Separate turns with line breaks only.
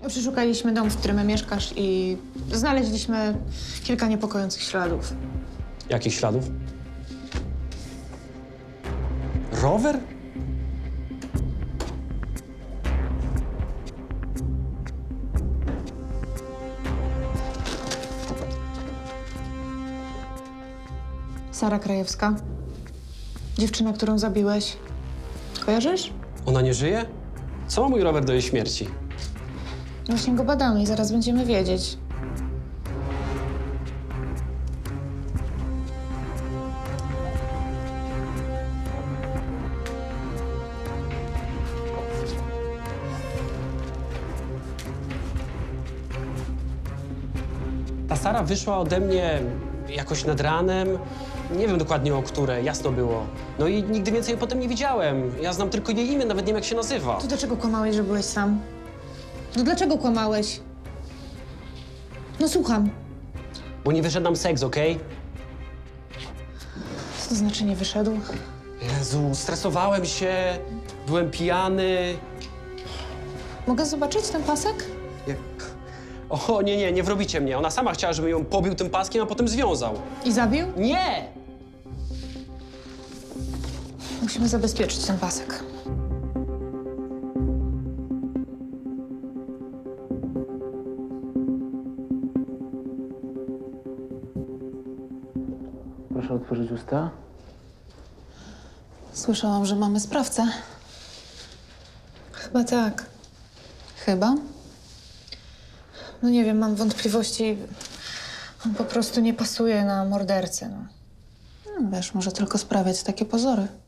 Przeszukaliśmy dom, w którym mieszkasz i znaleźliśmy kilka niepokojących śladów.
Jakich śladów? Rower?
Sara Krajewska. Dziewczyna, którą zabiłeś. Kojarzysz?
Ona nie żyje? Co ma mój rower do jej śmierci?
Właśnie go badamy i zaraz będziemy wiedzieć.
Ta Sara wyszła ode mnie jakoś nad ranem. Nie wiem dokładnie o które, jasno było. No i nigdy więcej jej potem nie widziałem. Ja znam tylko jej imię, nawet nie wiem jak się nazywa.
To dlaczego kłamałeś, że byłeś sam? No dlaczego kłamałeś? No słucham.
Bo nie wyszedł nam seks, okej?
Co to znaczy nie wyszedł?
Jezu, stresowałem się, byłem pijany.
Mogę zobaczyć ten pasek?
Jak... O, nie wrobicie mnie. Ona sama chciała, żebym ją pobił tym paskiem, a potem związał.
I zabił?
Nie!
Musimy zabezpieczyć ten pasek.
Proszę otworzyć usta.
Słyszałam, że mamy sprawcę. Chyba tak. Chyba? No nie wiem, mam wątpliwości. On po prostu nie pasuje na mordercę, no. Wiesz, może tylko sprawiać takie pozory.